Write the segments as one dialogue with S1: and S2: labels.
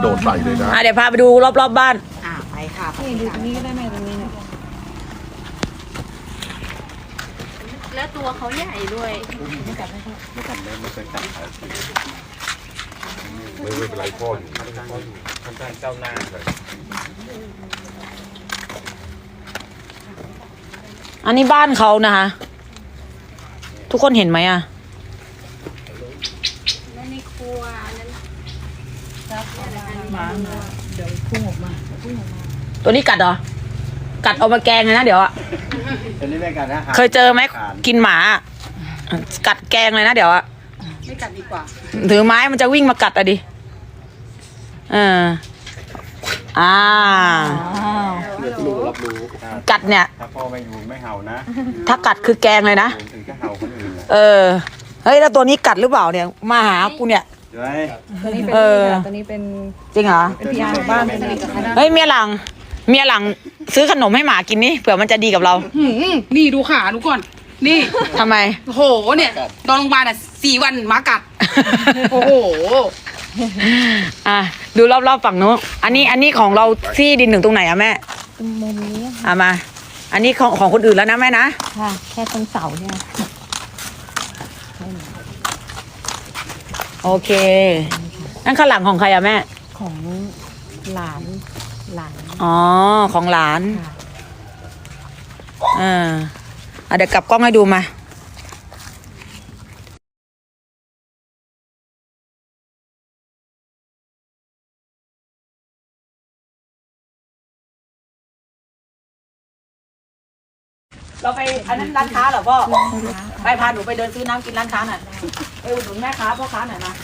S1: โดดใส่เลยนะ
S2: เดี๋ยวพาไปดูรอบๆบ้าน
S3: ไปค่ะไป
S4: นี่ดูตรงนี้ก็ได้แม่ตรงนี้เนี่ย
S5: แล้วตัวเขาใหญ่ด้วย
S1: ไม่เป็นไรพ่ออยู่ทำการเจ้าหน้าเลย
S2: อันนี้บ้านเขานะคะ ทุกคนเห็นไหมอะ
S5: แล้วในครัวนั้น
S4: หมาเดี๋ยวพุ่งออกมา
S2: ตัวนี้กัดเหรอ กัดเอามาแกงเลยนะเดี๋ยวอะ
S6: ตัวนี้ไม่กันนะ
S2: เคยเจอไหมกินหมาอะกัดแกงเลยนะเดี๋ยวอะ
S3: ไม่กัดดีกว่า
S2: ถือไม้มันจะวิ่งมากัดอะดิอ่า
S6: รับรู้
S2: กัดเนี่ย
S6: ถ้าพ่อไม่อยู่ไม่เห่านะ
S2: ถ้ากัดคือแกงเลยนะ
S6: ถึงจะเห่าคนอื่นนะ
S2: เฮ้ยแล้วตัวนี้กัดหรือเปล่าเนี่ย มาหากูเนี่ย
S6: ใช่ไหม
S4: ตัวนี้เป็นตัวนี้เป็น
S2: จริงเหรอ
S4: เป็นพี่อาร์บ้านสนิทกับเขา
S2: เฮ้ยเมียหลังซื้อขนมให้หมากินนี่เผื่อมันจะดีกับเรา
S3: นี่ดูขาดูก่อน นี่
S2: ทำไม
S3: โอ้โห เนี่ยนอนโรงพยาบาล4 วันหมากัด โอ้โห
S2: ดูรอบๆฝั่งนู้นอันนี้ของเราที่ดินถึงตรงไหนอะแม่
S4: ตรงมุมนี้
S2: มา อันนี้ของคนอื่นแล้วนะแม่นะ
S4: ค่ะ แค่ตรงเสาเนี่ย
S2: โอเค นั่นข้างหลังของใครอะแม่
S4: ของหลาน
S2: อ๋อ ของหลาน
S4: ค่ะ
S2: เดี๋ยวกลับกล้องให้ดูมา เราไปอันนั้นร้านค้าเหรอพ่อ ไปพาหนูไปเดินซื้อน้ำกินร้านค้าหน่อยไปอุดหนุนแม่ค้าพ่อค้าหน่อยนะ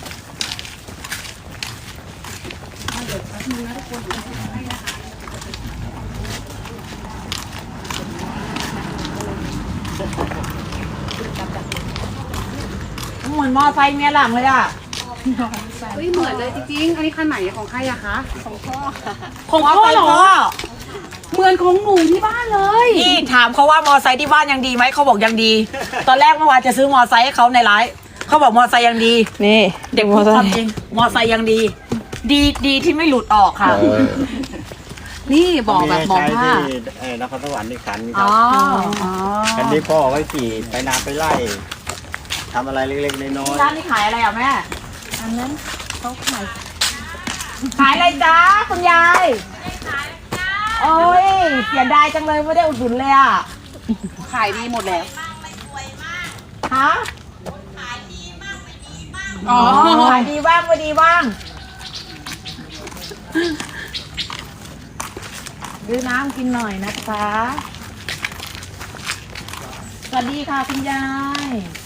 S2: เหมือนมอไซค์เมียหลังเลยอ่ะ
S3: เฮ้ยเหมือนเลยจริงๆ อันนี้คันไหนของใครอะคะ
S2: ของพ่อเหรอ
S3: เหมือนของหนูที่บ้านเลย
S2: นี่ถามเขาว่ามอไซค์ที่บ้านยังดีไหมเขาบอกยังดี ตอนแรกเมื่อวานจะซื้อมอไซค์ให้เขาในไลฟ์เขาบอกมอไซค์ยังดี
S4: นี่
S2: เด็กพูดความจริงมอไซค์ยังดี ดีที่ไม่หลุดออกค่ะ
S3: นี่บอกแบบบอก
S6: ใช้
S3: ว่า
S6: ที่นครสวรรค์ในขันค
S2: อ๋
S6: รั
S2: อบ
S6: คันนี้พ่อเอาไว้ขี่ไปนาไปไล่ทำอะไรเล็กๆน้อย
S2: ร้านนี้ขายอะไรอ่ะแม่
S4: อันนั้นเขาขาย
S2: ขายอะไรจ้าคุณยายโอ้ยเสียดายจังเลยไม่ได้อุดหนุนเลยอ่ะ
S3: ขายดีหมดแล้ว
S2: ฮะ
S3: อ๋อ
S2: ขายดีบ้างไม่ดีบ้างซื้อน้ำกินหน่อยนะคะสวัสดีค่ะคุณยาย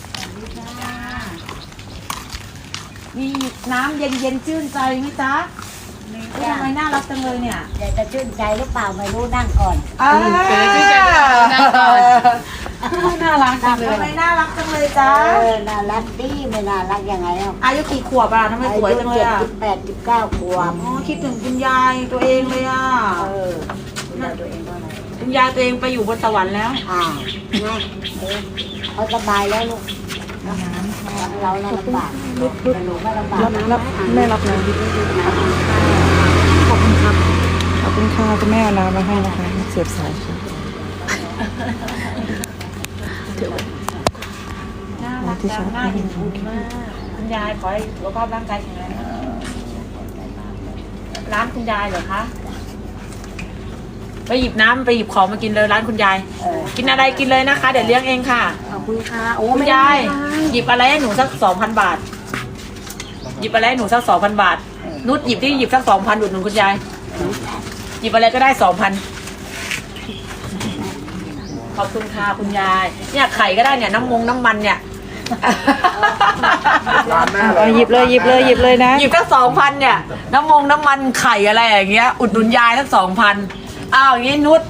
S2: มีน้ำเย็นๆชื่นใจไหมจ๊ะทำไมน่ารักจังเลยเนี่ย
S7: อยากจะชื่นใจหรือเปล่าไม่รู้นั่งก่อน
S3: ชื่นใจนั่งก่อน น่ารักจังเล
S2: ทำไม
S3: ย
S2: น่ารักจังเลยจ๊ะ
S7: น่ารักดีไม่น่ารักยังไงอ่ะ
S2: อายุกี่ขวบอ่ะทำไมสวยจังเลยอ่ะ
S7: 78 19 ขวบ
S2: อ๋อคิดถึงคุณยายตัวเองเลยอ่ะ
S7: ดูแลตัวเองว่าไง
S2: คุณยายตัวเองไปอยู่บนสวรรค์แล้ว
S7: นะเขาสบายแล้วลูกเราลำบากแต่หนูไม่ลำบากนะ
S4: แม่รับน้ำขอบคุณครับขอบคุณค่ะคุณแม่เอาน้ำมาให้นะคะเสียบสายค่ะ
S2: น่ารักจังน่าเห็นบุญมากคุณยายขอให้สุขภาพร่างกายแข็งแรงนะร้านคุณยายเหรอคะไปหยิบน้ำไปหยิบของมากินเลยร้านคุณยายกินอะไรกินเลยนะคะ เดี๋ยวเลี้ยงเองค่ะ
S3: ขอบคุณค่ะ โอ้
S2: คุณ
S3: ไม่
S2: ยา
S3: ได้
S2: ยหยิบอะไรให้หนูสัก2,000 บาท หยิบอะไรให้หนูสัก2,000 บาท นุชหยิบที่หยิบสัก2,000อุดหนุนคุณยายหยิบอะไรก็ได้2,000ขอบคุณค่ะคุณยายเนี่ยไข่ก็ได้เนี่ยน้ำมันเนี่ย
S1: ร้านหน้าเล
S4: เอา
S1: ย
S4: หยิบเลยนะ
S2: หยิบสัก2,000เนี่ยน้ำมันไข่อะไรอย่างเงี้ย อุดหนุนยายสัก2,000อ้าวอย่างงี้นุช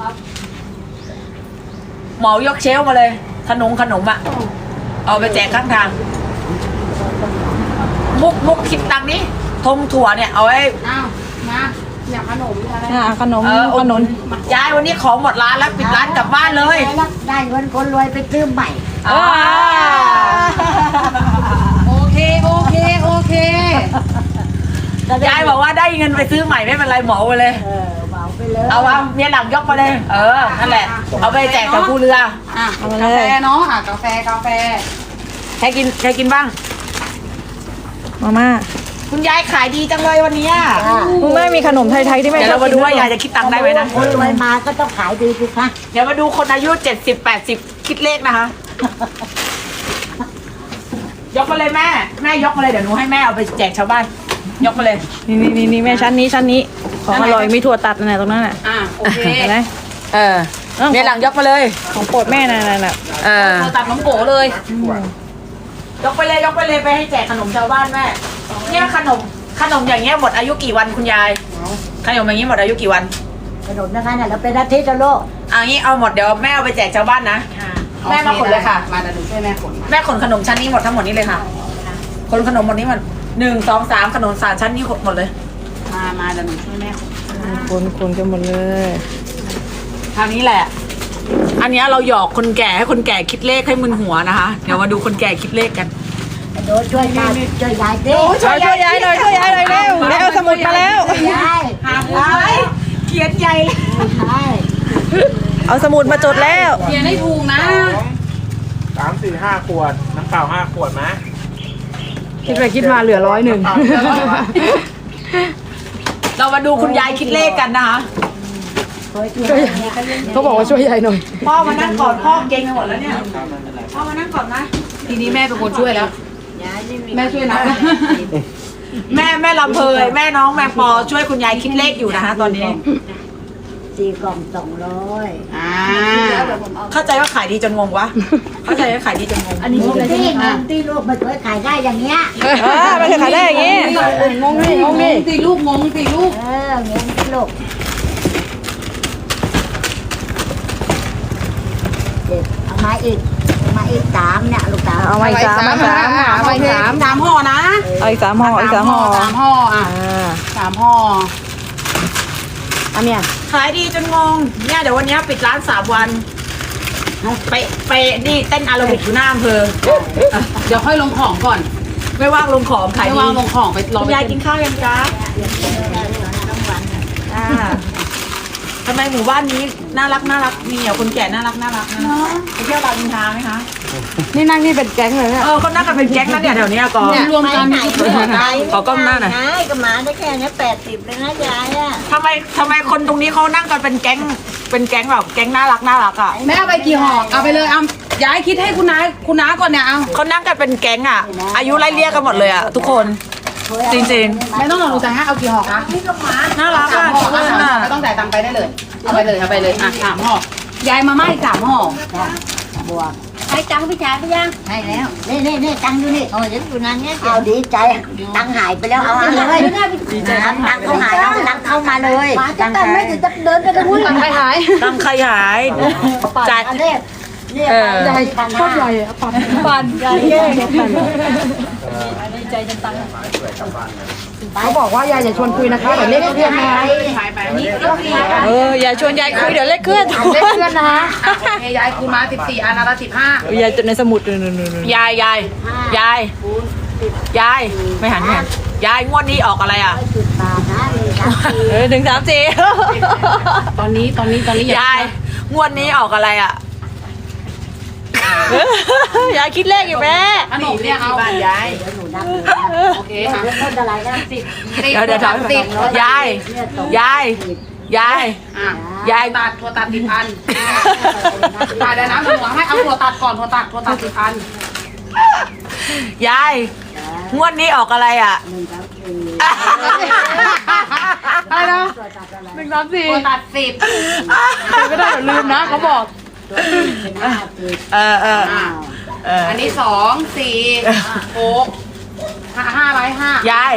S2: เหมายกเชลฟ์มาเลยขนมอะเอาไปแจกข้างทางมุกคิดตังค์นี้ทงถั่วเนี่ยเอาไว้
S3: อ้าวมาอยากขนมอะไร
S4: ขนม
S2: อุดหนุนยายวันนี้ของหมดร้านแล้วปิดร้านกลับบ้านเลย
S7: ได้เงินคนรวยไปซื้อใหม่
S3: โอเค
S2: ยายบอกว่าได้เงินไปซื้อใหม่ไม่เป็นไรเหมาไปเลย
S7: เหมาไปเลย
S2: เอาว่าเมียหลังยกมาเลย นั่นแหละ เอาไปแจกกับผู้เรือ
S3: อ่ะกาแฟเนาะกาแฟ
S2: ใครกินบ้าง
S4: มาม่า
S2: คุณยายขายดีจังเลยวันนี้
S4: คุณแม่มีขนมไทยๆที่แม่
S2: เดี๋ยวเรามาดูว่ายายจะคิดตังค์ได้ไหมนะ
S7: คนรวยมาก็ต้องขายดีสิคะ
S2: เดี๋ยวมาดูคนอายุ70-80คิดเลขนะคะ ยกมาเลยแม่ยกมาเลยเดี๋ยวหนูให้แม่เอาไปแจกชาวบ้าน ยกมาเลย
S4: นี่แม่ชั้นนี้ของอร่อยมีถั่วตัดนั่นแหละตรงนั้นน่ะ
S3: อ่ะโอเค
S4: เห็นไหม
S2: เมียหลังยกมาเลย
S4: ของโปรดแม่นั่นน่ะ
S3: เราตัดน้องโกเลย
S2: ยกไปเลยไปให้แจกขนมชาวบ้านแม่เนี่ยขนมอย่างเงี้ยหมดอายุกี่วันคุณยายขนมอย่างงี้หมดอายุกี่วัน
S7: ขนมนะคะเนี่ยเราเป็นอาทิตย์แล้วลูก
S2: งี้เอาหมดเดี๋ยวแม่เอาไปแจกชาวบ้านนะแม่มาขนเลยค่ะ
S3: มาเดี๋ยวหนูช่วยแม่ขน
S2: แม่ขนขนมชั้นนี้หมดทั้งหมดนี้เลยค่ะขนขนมหมดนี้หมด1 2 3ขนมสามชั้นนี้หมดเลย
S3: มาเดี๋ยวหนูช่วยแม่ขน
S4: คนกันหมดเลย
S2: ทางนี้แหละ อันเนี้ยเราหยอกคนแก่ให้คนแก่คิดเลขให้มึนหัวนะคะเดี๋ยวมาดูคนแก่คิดเลขกัน
S7: โดนช่วยยายดิ
S4: ช่วยยายหน่อยเร็วเอาสมุดมาแล้ว
S7: ยาย
S2: เขียนใหญ่เลย
S7: ใช่
S4: เอาสมุดมาจดแล้ว
S3: เขียนให้ถูกนะ
S1: 3 4 5 ขวด น้ำเปล่า 5 ขวดไหม
S4: คิดไปคิดมาเหลือ101
S2: เรามาดูคุณยายคิดเลขกันนะคะ
S4: เขาบอกว่าช่วยยายหน่อย
S2: พ่อมานั่งก่อนพ่อเก่งไปหมดแล้วเนี่ยพ่อมานั่งก่อนนะ
S3: ทีนี้แม่เป็นคนช่วยแล้ว แม่ช่วยนะ
S2: แม่ลำเพยแม่น้องแมงปอช่วยคุณยายคิดเลขอยู่นะคะตอนนี้
S7: 4 กล่อง 200
S3: อ่า
S2: เข้าใจว่าขายดีจนงงวะเข้าใจว่าขายดีจนงง
S7: อันนี้ที่ลูกไม่เคยขายได้อย่างเงี้ย
S4: มันจะขายได้อย่างงี้
S3: งงสิลูก
S7: เงี้ยที่ลูกเอามาอีก3เนี่ยลูกสาว
S4: เอามาอีก3
S3: สามห่อนะ
S4: เอาอีก3ห่ออีก3ห่อ
S3: สามห่ออ่ะ3ห่อ
S4: อันเนี้ย
S2: ขายดีจนงงเนี่ยเดี๋ยววันนี้ปิดร้าน3 วันไปนี่เต้นอาราบิกอยู่หน้าอำเภอ
S3: เดี๋ยวค่อยลงของก่อน
S2: ไม่ว่างลงของขาย
S3: ไม่
S2: ดี
S3: ว่างลงของไปรอ
S2: คุณ
S3: ไป
S2: ยายกินข้าวยังจ๊ะทำไมหมู่บ้านนี้น่ารักมีแต่คนแก่น่ารักนะไปเที่ยวรามอินทราไหมคะ
S4: นี่นั่งนี่เป็นแก๊งเลยเนี่ย
S2: เขานั่งกันเป็นแก๊งนะเนี่ยแถวนี้ก่อน
S3: รวมกันมีทุกคนได้
S2: ขอกล้องหน้าหน่อย
S7: ยายก็มาได้แค่นี้80เลยนะยายอ่ะ
S2: ทำไมคนตรงนี้เขานั่งกันเป็นแก๊งแบบแก๊งน่ารักอ่ะ
S3: แม่เอาไปกี่ห่อเอาไปเลยเอาย้ายคิดให้คุณน้าก่อนเนี่ยเอา
S2: เขานั่งกันเป็นแก๊งอ่ะ อายุไล่เรียกกันหมดเลยอ่ะทุกคน จริง
S3: ไม่ต้องหนูจะให้เอากี่ห่อคะ
S2: ๆน่ารัก
S3: สา
S2: อ่ะ
S3: มห่อ
S2: ทุกคนอ่ะ
S3: ไม่ต้องจ่ายตังค์ไปได้เลยเอาไปเลยอ่ะ3ห่อยายมาม่าอีก3ห่อบ
S7: วกให้ตังค์พี่ชายไปยังให้แล้วนี่ตังค์อยู่นี่โอ้ยอยู่นั่นเนี่ยเอาดีใจตังค์หายไปแล้วเอาเลยตังค์เขาหายเอาตังค์เข้ามาเลยตังค์ไม่ถึงจะเดินไปกันหุ้น
S3: ตังค์ใครหาย
S2: ตังใครหายจ่าย
S7: เนี่ยใหญ่โคตรใหญ่อะปั่นใหญ่เย่
S4: เขาบอกว่ายายอย่าชวนคุยนะคะเดี๋ยวเลขเคลื่อนนะ อย่าชวนยายคุยเดี๋ยวเลขเคลื่อน
S3: เลขเคลื่อนนะโอเคยายคูณมา14อันละ15
S4: ยายจดในสมุดนู่น
S2: ยายไม่หันยายงวดนี้ออกอะไรอ่ะ
S7: บาทนะ
S4: 1 3 4
S3: ตอนนี้
S2: ยายงวดนี้ออกอะไรอ่ะ
S4: ยายคิดเลขอยู่แม่
S3: ขนมเนี่ยเอาบ้านยาย
S7: เดี๋ยวหนูนับ
S3: โอเคค่ะ
S7: ต้นอะไรนะ10
S2: เดี๋ยวถามยาย
S3: อ่ะยายตัดถั่วตัด10 อันตัดได้นะหนูให้เอาถั่วตัดก่อนถั่วตัด10 อัน
S2: ยายงวดนี้ออกอะไรอ่ะ
S3: อะไรนะ1 3 4ถั่วตัด10ไม่ได้เดี๋ยวลืมนะเขาบอก อันนี้2 4 6 5อะไร5
S2: ยาย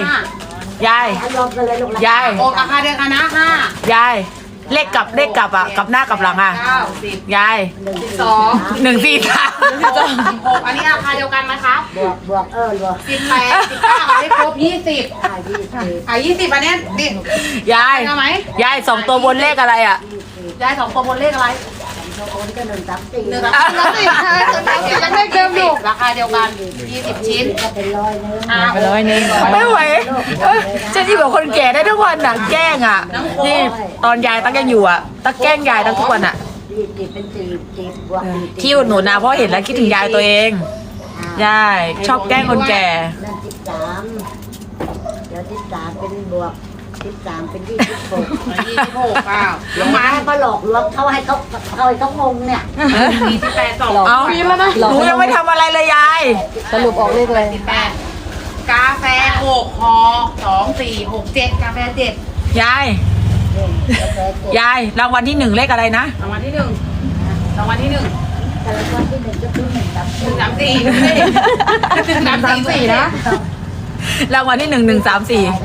S7: โอ้ราคาเดียวกันนะ
S2: ยายเลขกลับอ่ะกลับหน้ากลับหลังอ่ะ
S3: 9 10
S2: ยาย
S3: 12
S2: 1 4 3
S3: 16อันนี้ราคาเดียวกันไหมครับ
S7: บวกบวก
S3: 18 19เอาให้ครบ20 20อันนี้ดิ
S2: ยาย
S3: เอาไหม
S2: ยาย2 ตัวบนเลขอะไรอ่ะ
S3: ยาย2 ตัวบนเลขอะไร
S7: เขาโอนก็134
S3: 134ยังได้เดิมอยู่ราคาเดียวกัน20 ชิ้น
S7: ก็เป็น100นึง
S4: ไป100
S2: ไม่ไหวฉันที่บอกคนแก่ได้ทุกวันอ่ะแกล้งอ่ะนี่ตอนยายตั้งยังอยู่อ่ะตั้งแกล้งยายตั้งทุกวันอ่ะ
S7: 40เป็น40บวก40
S2: ที่อุดหนุนนะเพราะเห็นแล้วคิดถึงยายตัวเองยายชอบแกล้งคนแก่
S7: นั่น13เดี๋ยว13เป็นบวก13เป็น26
S3: 26เปล่า
S7: ลงมาให้เขาหลอกลวงเขาให้เขางงเนี่ย
S3: 48 2
S2: เอาหนูยังไม่ทำอะไรเลยยาย
S4: สรุปออกเลขเลย
S3: 8กาแฟ6ห่อ2 4 6 7กาแฟ7
S2: ยายยายรางวัลที่ 1เลขอะไรนะ
S3: รางวัลที่1รางวัลที่1
S7: แต่ละคนที่1ก็คือ
S3: 134
S7: 134
S3: นะ
S2: รางวัลที่ 1 134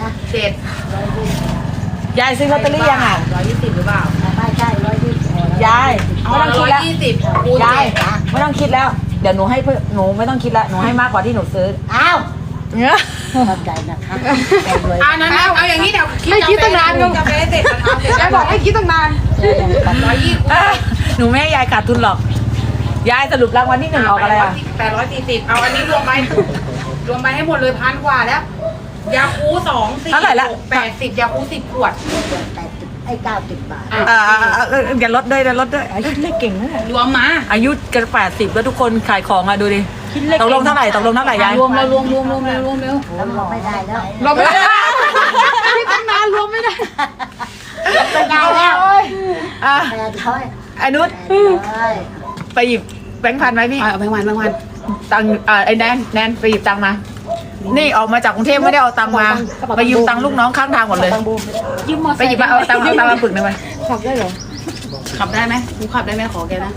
S3: 7
S2: ยายซื้อลอตเตอรี่ยังอ่ะ
S3: 120หรือเปล่า
S7: ไม่ใช่120
S2: ยายไม่ต้องคิดแล้ว
S3: 120คูณ
S2: ยาย
S3: 7
S2: ไม่ต้องคิดแล้วเดี๋ยวหนูให้เพื่อนหนูไม่ต้องคิดแล้วหนูให้มากกว่าที่หนูซื้อ
S7: อ้าวเข้าใจนะคะรวย
S3: นั้นเอาอย่างนี้เดี๋ยวคิดตั้งนานกาแฟเสร็จแล้วเสร็จแล้วบอกให้คิดตั้งนาน120
S2: หนูไม่ให้ยายขาดทุนหรอกยายสรุปรางวัลที่ 1ออกอะไรอ่ะ
S3: 840เอาอันนี้รวมไปให้หมดเลย1,000 กว่าแล้วยาคู2 4 6 80ยาคู10 ขวด
S7: 80ไอ้90 บาท
S2: อย่าลดด้วยอย่าลดด้วย
S4: คิดเลขเก่งนะเนี่ย
S3: รวมมา
S2: อายุกัน80แล้วทุกคนขายของอ่ะดูดิตกลงเท่าไหร่ยาย
S3: รวมเร็วรวมเร็ว
S7: แล้วเราไม่ได้แล้ว
S3: รวมไม่ได้ตั้งนานรวมไม่ได้
S7: ไม่ได้แล้ว
S2: อ่ะ
S7: 800
S2: ไอ้นุชไปหยิบแบงค์พันไหมพี่
S3: เอาไปวัน
S2: ตังค์ไอ้แนนไปหยิบตังค์มา นี่ออกมาจากกรุงเทพไม่ได้เอาตังค์มาไปยืมตังค์ลูกน้องข้างทางหมดเลยไปหยิบมาเอาตังค์มาปึกหนึ่งไป
S4: ขับได้เหรอ
S3: ขับได้ไหมกูขับได้ไหมขอแกนะ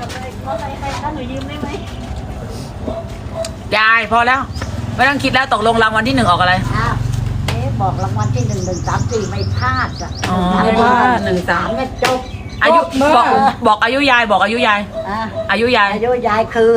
S2: ยายพอแล้วไม่ต้องคิดแล้วตกลงรางวัลที่ 1ออกอะไร
S7: อ้าวบอกรางวัลที่134ไม่พลาดอ่ะ
S2: อ๋อ
S7: 13เนี่ยจบ
S2: อายุบอกอายุยายบอกอายุยาย
S7: อ่ะ
S2: อายุยาย
S7: อายุยายคือ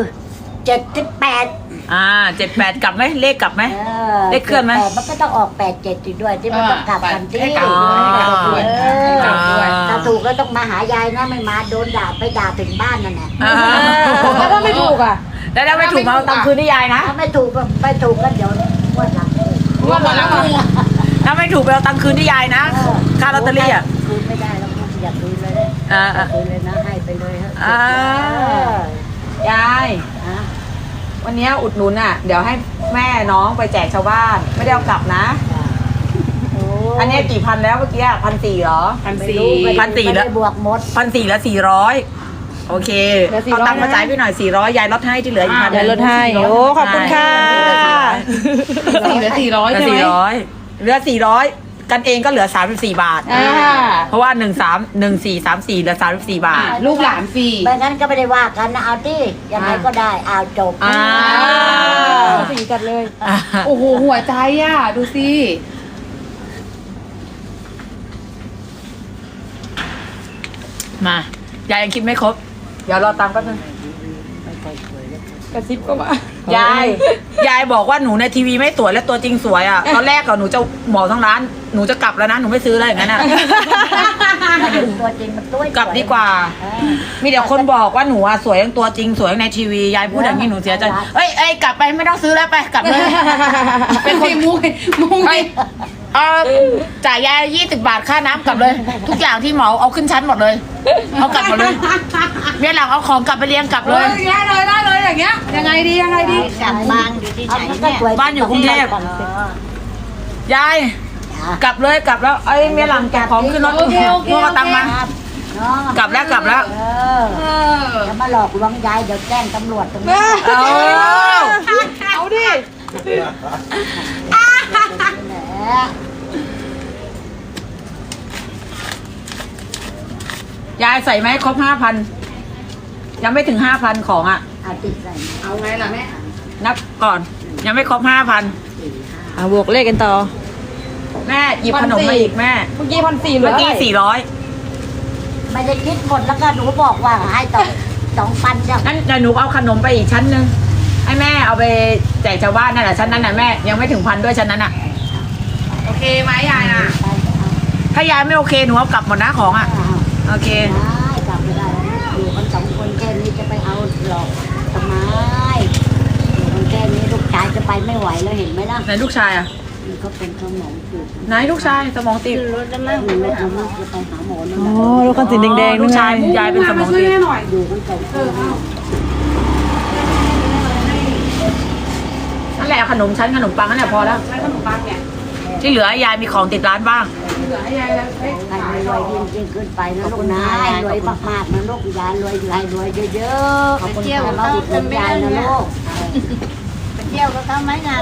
S7: 78
S2: 78กลับไหมเลขกลับไหม เลขเคลื่อนไหม
S7: 78มันก็ต้องออก87อยู่ด้วยที่มันต้องกลับกันที่
S3: ให้กลับด้วย
S7: ถ้าถูกก็ต้องมาหายายนะไม่มาโดนด่าไปด่าถึงบ้านนั่นแหละ
S4: แล้วถ้าไม่ถูกอ่ะ
S2: แล้วถ้าไม่ถูกมาเอาตังค์คืนที่ยายนะ
S7: ถ้าไม่ถูกก็เดี๋ยวงวดหลังถูก
S3: รวมหมดแล้วกู
S2: ถ้าไม่ถูกไปเอาตังค์คืนที่ยายนะค่าลอตเตอรี่อ่ะ
S7: คืนไม่ได้แล้วคุณอย่าคืนเลยนะ
S2: อ่า
S7: คืนเลยนะให้ไปเลยฮะ
S2: ยาย
S7: อ่ะ
S2: วันนี้อุดหนุนอ่ะ เดี๋ยวให้แม่น้องไปแจกชาวบ้าน ไม่ได้เอากลับนะ
S7: โอ้
S2: อันนี้กี่พันแล้วเมื่อกี้1,400เหรอ
S7: ไม่รู้ไม่
S2: 1,400แล้ว
S7: ไม่ได้บวกหมด
S2: 1,400แล้ว400โอเค
S4: เหลือ400
S2: เอาตังค์มาจ่ายพี่หน่อย400ยายลดให้ที่เหลืออีก1,000
S4: เดี๋ยวลดให้โอ้ขอบคุณค่ะ
S3: เหลือ400
S2: เหลือ
S3: ใช่ไหม
S2: 400เหลือ400กันเองก็เหลือ34 บาท
S4: อ่า
S2: เพราะว่า1434เหลือ34 บาท
S3: ลูกหลานฟรี
S7: ไม่งั้นก็ไม่ได้ว่ากันนะเอาที่ยังไงก็ได้เอาจบ
S2: อ่า
S4: สีจัดเลย
S3: โอ้โหหัวใจอ่ะดูสิ
S2: มายายยังคิดไม่ครบ เดี๋ยวรอตังค์แป๊บนึง
S4: กระซิบก็มา
S2: ยายบอกว่าหนูในทีวีไม่สวยและตัวจริงสวยอ่ะ ตอนแรกอะหนูจะเหมาทั้งร้าน หนูจะกลับแล้วนะ หนูไม่ซื้อแล้วอย่างนั้นอ่ะ
S7: ตัวจริงมันตัว
S2: กลับดีกว่า มีแต่คนบอกว่าหนูอะสวยทั้งตัวจริงสวยทั้งในทีวี ยายพูดอย่างนี้หนูเสียใจ เอ้ยกลับไปไม่ต้องซื้อแล้วไปกลับเลย
S3: เป็นคนมุ้ง
S2: เอ้ยจ่ายยาย20 บาทค่าน้ำกลับเลย ทุกอย่างที่เหมาเอาขึ้นชั้นหมดเลย เอากลับหมดเลยเมียหลังเอาของกลับไปเลี้ยงกลับเลย
S3: ได้เลยอย่างเงี้ยยังไงดี
S7: กลับบ้านอยู่ที่ไหนเนี่ย
S2: บ้านอยู่กรุงเทพ ยายกลับเลยกลับแล้วไอ้ยเมียหลังแกะของขึ้นรถพวกเอาตังค์มา กลับแล้ว
S7: จะมาหลอกลวงยายเดี๋ยวแจ้งตำรวจตรงนี้
S4: เอาดิ
S2: ยายใส่ไหมครบ 5,000ยังไม่ถึง 5,000ของอ่ะ
S7: เอาติดใส่
S3: เอาไงล่ะแม่
S2: นับก่อน ยังไม่ครบ 5,000
S4: บวกเลขกันต่อ
S2: แม่หยิบขนมมาอีกแม่
S4: เมื่อกี้1,400เหลื
S2: เมื่
S4: อ
S2: อกี้
S7: ไม่ได้คิดหมดแล้วก็หนูบอกว่าให้2,000จ้ะ
S2: 400งั้นเดี๋ยวหนูเอาขนมไปอีกชั้นหนึ่งให้แม่เอาไปแจกชาวบ้านนั่นแหละชั้นนั้นน่ะแม่ยังไม่ถึง1,000ด้วยชั้นนั้นอ่ะ
S3: โอเคไหมยายน่ะ
S2: ถ้ายายไม่โอเคหนูเอากลับหมดนะของอ่ะโอเค
S7: ได้กลับไม่ได้อยู่กัน2 หรอกทำไมมันแค่นี้ลูกชายจะไปไม่ไหวแล้วเห็นไหมล่ะ
S2: ไหนลูกชายอ่ะ
S7: มันก็เป็นสมองตีบ
S2: ไหนลูกชายสมองตีบ
S7: รถจะนั่งรถจะนั่งจะไปหาหมอนั่น
S4: อ๋
S7: แห
S4: อ
S7: ละ
S4: รถคันสีแดงๆ
S2: ลู
S4: นู่
S2: ก
S4: นไง
S2: ชายยายเป็นสมองตีบ
S7: อยู่กันสองคน
S2: นั่นแหละขนมชั้นขนมปังนั่นแหละพอแล้ว
S3: ใช้ขนมปังเนี่ย
S2: ที่เหลือยายมีของติดร้านบ้าง
S3: เหลือให้ยายแล้วให้
S7: ใคร
S3: ขาย
S7: ร
S3: ต่
S7: ว
S3: อย
S7: ยิ่งขึ้นไปนะลูกนะรวยมากๆนะลูกยายรวยรวยเยอะๆ
S5: ไปเที่ยวกับ
S7: มา
S5: เขา
S7: อุดหนุ
S5: จะ
S7: น
S5: ไม่
S7: ยาย
S5: ได้
S7: นะ
S5: เนี่ย
S7: ลูก
S5: ไปเที่ยวกับเขาไหมงาน